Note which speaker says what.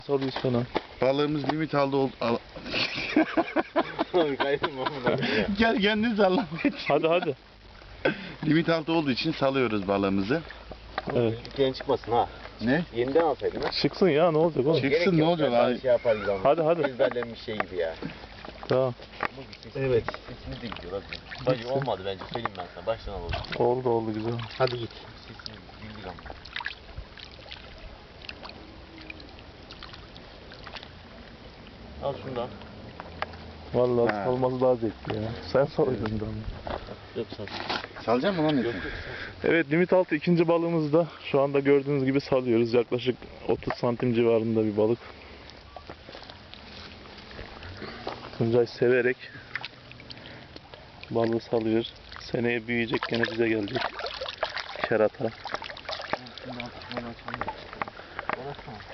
Speaker 1: Salıyor sana.
Speaker 2: Balığımız limit aldı. Gel kendin salla.
Speaker 1: Hadi.
Speaker 2: Limit altı olduğu için salıyoruz balığımızı.
Speaker 1: Evet.
Speaker 3: Yeni çıkmasın ha.
Speaker 2: Ne?
Speaker 3: Yeniden alsaydın ha.
Speaker 1: Çıksın ya, ne olacak oğlum?
Speaker 2: Çıksın,
Speaker 3: Gerek
Speaker 2: ne
Speaker 3: yok
Speaker 2: olacak
Speaker 3: ya,
Speaker 2: abi?
Speaker 3: Şey yapar gibi ama.
Speaker 1: Hadi.
Speaker 3: Ezberlenmiş şey gibi ya.
Speaker 1: Tamam.
Speaker 3: Evet. Sesimiz de gidiyor hadi. Bence olmadı bence, söyleyeyim ben sana. Baştan alalım.
Speaker 1: Oldu güzel.
Speaker 3: Hadi git. Sesimiz bildik ama. Al şundan.
Speaker 1: Vallahi
Speaker 2: Ha.
Speaker 1: salması daha zevkli ya. Sen salıyordun da.
Speaker 3: Yok sağ ol.
Speaker 2: Salacak mı lan
Speaker 3: Yok
Speaker 2: Metin?
Speaker 3: yok.
Speaker 1: Evet, limit altı ikinci balığımızı da şu anda gördüğünüz gibi salıyoruz. Yaklaşık 30 santim civarında bir balık. Tuncay severek balığı salıyor. Seneye büyüyecek, gene bize gelecek. Kerata.
Speaker 3: Şundan tutmadan açalım. Orası mı?